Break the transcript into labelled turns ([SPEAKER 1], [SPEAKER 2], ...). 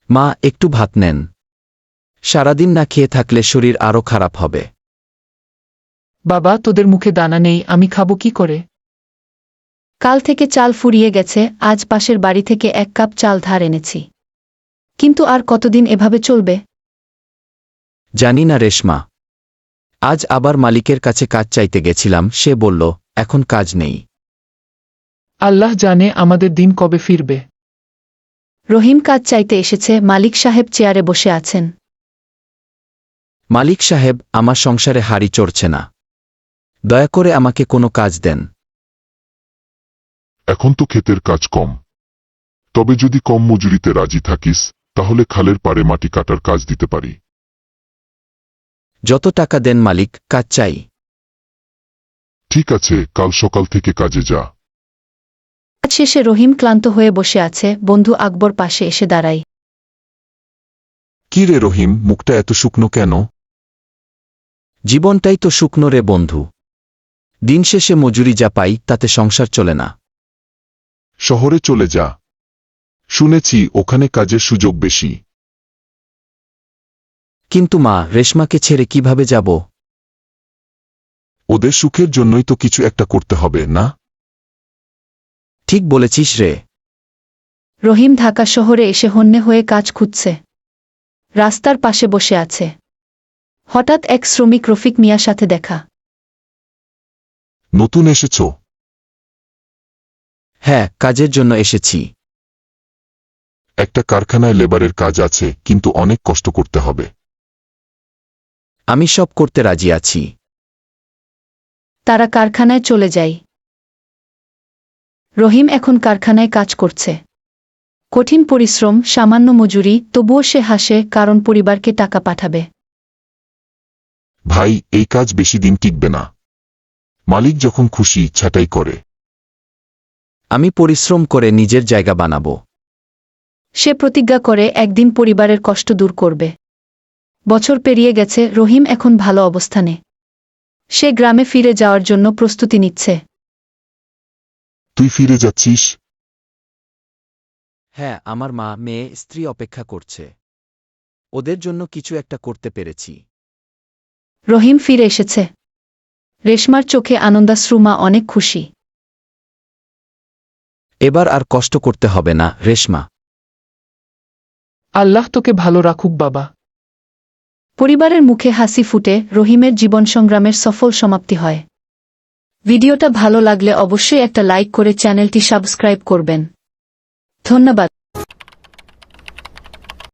[SPEAKER 1] মা, একটু ভাত নেন। সারাদিন না খেয়ে থাকলে শরীর আরও খারাপ হবে।
[SPEAKER 2] বাবা, তোদের মুখে দানা নেই, আমি খাবো কি করে?
[SPEAKER 3] কাল থেকে চাল ফুরিয়ে গেছে, আজ পাশের বাড়ি থেকে 1 কাপ চাল ধার এনেছি। কিন্তু আর কতদিন এভাবে চলবে?
[SPEAKER 1] জানি না রেশমা। আজ আবার মালিকের কাছে কাজ চাইতে গেছিলাম, সে বলল এখন কাজ নেই।
[SPEAKER 2] আল্লাহ জানে আমাদের দিন কবে ফিরবে।
[SPEAKER 3] রহিম কাজ চাইতে এসেছে, মালিক সাহেব চেয়ারে বসে আছেন।
[SPEAKER 1] মালিক সাহেব, আমার সংসারে হাড়ি চড়ছে না। দয়া করে আমাকে কোনো কাজ দেন।
[SPEAKER 4] এখন তো ক্ষেতের কাজ কম, তবে যদি কম মজুরিতে রাজি থাকিস তাহলে খালের পাড়ে মাটি কাটার কাজ দিতে পারি।
[SPEAKER 1] যত টাকা দেন মালিক, কাজ চাই।
[SPEAKER 4] ঠিক আছে, কাল সকাল থেকে কাজে যা।
[SPEAKER 3] কাজ শেষে রহিম ক্লান্ত হয়ে বসে আছে, বন্ধু আকবর পাশে এসে দাঁড়ায়।
[SPEAKER 4] কি রে রহিম, মুখটা এত শুকনো কেন?
[SPEAKER 1] জীবনটাই তো শুকনো রে বন্ধু। দিন শেষে মজুরি যা পাই তাতে সংসার চলে না।
[SPEAKER 4] শহরে চলে যা, শুনেছি ওখানে কাজের সুযোগ বেশি।
[SPEAKER 1] কিন্তু মা, রেশমাকে ছেড়ে কিভাবে যাব?
[SPEAKER 4] ওদের সুখের জন্যই তো কিছু একটা করতে হবে না?
[SPEAKER 1] ঠিক বলেছিস রে।
[SPEAKER 3] রহিম ঢাকা শহরে এসে হন্যে হয়ে কাজ খুঁজছে। রাস্তার পাশে বসে আছে। হঠাৎ এক শ্রমিক রফিক মিয়ার সাথে দেখা।
[SPEAKER 4] নতুন এসেছ?
[SPEAKER 1] হ্যাঁ, কাজের জন্য এসেছি।
[SPEAKER 4] একটা কারখানায় লেবারের কাজ আছে, কিন্তু অনেক কষ্ট করতে হবে।
[SPEAKER 1] আমি সব করতে রাজি আছি।
[SPEAKER 3] তারা কারখানায় চলে যায়। রহিম এখন কারখানায় কাজ করছে। কঠিন পরিশ্রম, সামান্য মজুরি, তবুও সে হাসে, কারণ পরিবারকে টাকা পাঠাবে।
[SPEAKER 4] ভাই, এই কাজ বেশি দিন টিকবে না। মালিক যখন খুশি ছাঁটাই করে।
[SPEAKER 1] আমি পরিশ্রম করে নিজের জায়গা বানাবো।
[SPEAKER 3] সে প্রতিজ্ঞা করে একদিন পরিবারের কষ্ট দূর করবে। বছর পেরিয়ে গেছে, রহিম এখন ভালো অবস্থানে। সে গ্রামে ফিরে যাওয়ার জন্য প্রস্তুতি নিচ্ছে।
[SPEAKER 4] তুই ফিরে যাচ্ছিস?
[SPEAKER 1] হ্যাঁ, আমার মা, মেয়ে, স্ত্রী অপেক্ষা করছে। ওদের জন্য কিছু একটা করতে পেরেছি।
[SPEAKER 3] রহিম ফিরে এসেছে। রেশমার চোখে আনন্দাশ্রু, মা অনেক খুশি।
[SPEAKER 1] এবার আর কষ্ট করতে হবে না রেশমা।
[SPEAKER 2] আল্লাহ তোকে ভালো রাখুক বাবা।
[SPEAKER 3] পরিবারের মুখে হাসি ফুটে, রহিমের জীবন সংগ্রামের সফল সমাপ্তি হয়। ভিডিওটা ভালো লাগলে অবশ্যই একটা লাইক করে চ্যানেলটি সাবস্ক্রাইব করবেন। ধন্যবাদ।